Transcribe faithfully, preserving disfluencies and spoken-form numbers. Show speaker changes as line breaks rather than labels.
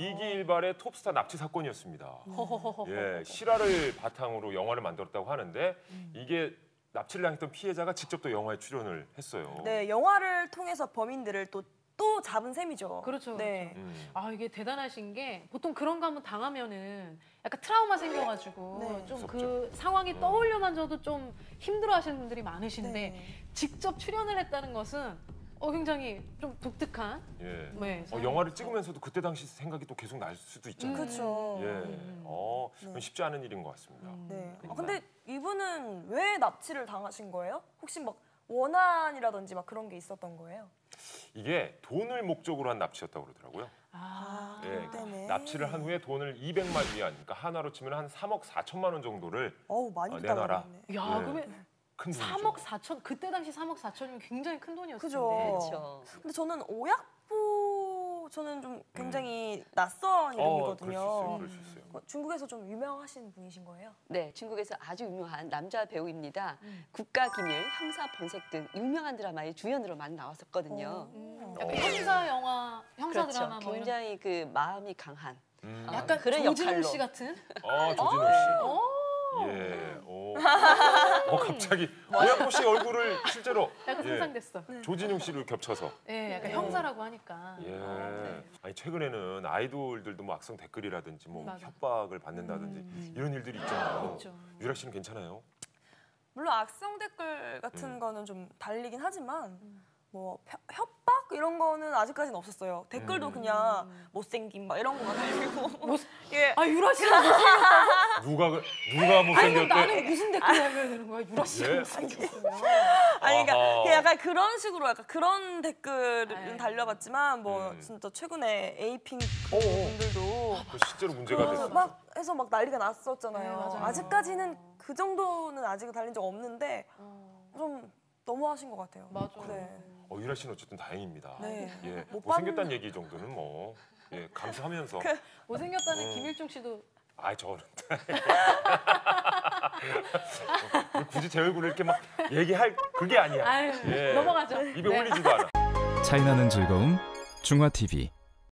이기일발의 톱스타 납치 사건이었습니다. 예, 실화를 바탕으로 영화를 만들었다고 하는데 이게 납치를 당했던 피해자가 직접 또 영화에 출연을 했어요.
네, 영화를 통해서 범인들을 또 또 잡은 셈이죠.
그렇죠.
네.
그렇죠. 음. 아 이게 대단하신 게 보통 그런 거 한번 당하면은 약간 트라우마 생겨가지고
네.
좀 그 상황이 떠올려만져도 좀 힘들어하시는 분들이 많으신데
네.
직접 출연을 했다는 것은 어 굉장히 좀 독특한.
예.
네,
어, 영화를 찍으면서도 그때 당시 생각이 또 계속 날 수도 있잖아요.
그렇죠.
예.
음.
어,
네.
쉽지 않은 일인 것 같습니다.
네. 아,
그러니까.
근데 이분은 왜 납치를 당하신 거예요? 혹시 막 원한이라든지 막 그런 게 있었던 거예요?
이게 돈을 목적으로 한 납치였다고 그러더라고요.
아,
예,
때문에.
납치를 한 후에 돈을 이백만 위안, 그러니까 한화로 치면 한 삼억 사천만 원 정도를
어우, 많이
어, 내놔라.
부담했네.
야
예.
그러면
큰 돈이죠.
삼억 사천 그때 당시 삼억 사천이면 굉장히 큰 돈이었을
그죠.
텐데.
그렇죠.
근데 저는 오약보 저는 좀 굉장히 낯선
어, 그럴 수
이름이거든요.
있어요. 그럴 수 있어요.
어, 중국에서 좀 유명하신 분이신 거예요?
네, 중국에서 아주 유명한 남자 배우입니다. 국가기밀, 형사본색 등 유명한 드라마의 주연으로 많이 나왔었거든요.
음, 약간 형사 영화, 형사
그렇죠.
드라마 뭐 이런.
굉장히 그 마음이 강한
음.
어,
약간
그런
조진웅
역할로.
씨 같은.
아, 조진웅 씨.
오.
예. 오. 어, 갑자기 오약보 씨 얼굴을 실제로
약간
예,
상상됐어.
조진웅 씨를 겹쳐서.
예, 약간
네.
형사라고 하니까.
예.
네.
아니 최근에는 아이돌들도 뭐 악성 댓글이라든지 뭐
맞아.
협박을 받는다든지 이런 일들이 있잖아요.
있죠.
유라 씨는 괜찮아요?
물론 악성 댓글 같은
음.
거는 좀 달리긴 하지만 뭐 펴- 협박 이런 거는 아직까지는 없었어요. 댓글도
음.
그냥 못생김 막 이런 거만 달리고.
못-
예.
아 유라 씨는 무슨
누가 그- 누가
아니 그럼
못생겼대?
나는 무슨 댓글 달려야 되는 거야? 유라 씨가
예?
못생겼으면.
아니 그러니까
아하.
그냥 약간 그런 식으로 약간 그런 댓글은
아유.
달려봤지만 뭐
음.
진짜 최근에 에이핑크
어어.
분들도
그 실제로 문제가
그
됐어.
막 해서 막 난리가 났었잖아요.
네, 맞아요.
아직까지는 그 정도는 아직은 달린 적 없는데
어,
좀 너무하신 것 같아요.
맞아.
네.
어, 유라 씨는 어쨌든 다행입니다.
네.
예,
못
못생겼다는 얘기 정도는 뭐 예, 감수하면서.
못생겼다는
음.
김일중 씨도
아, 저는 굳이 제 얼굴을 이렇게 막 얘기할 그게 아니야.
아유
예.
넘어가죠.
입에
네.
올리지도 않아.
차이나는 즐거움 중화티비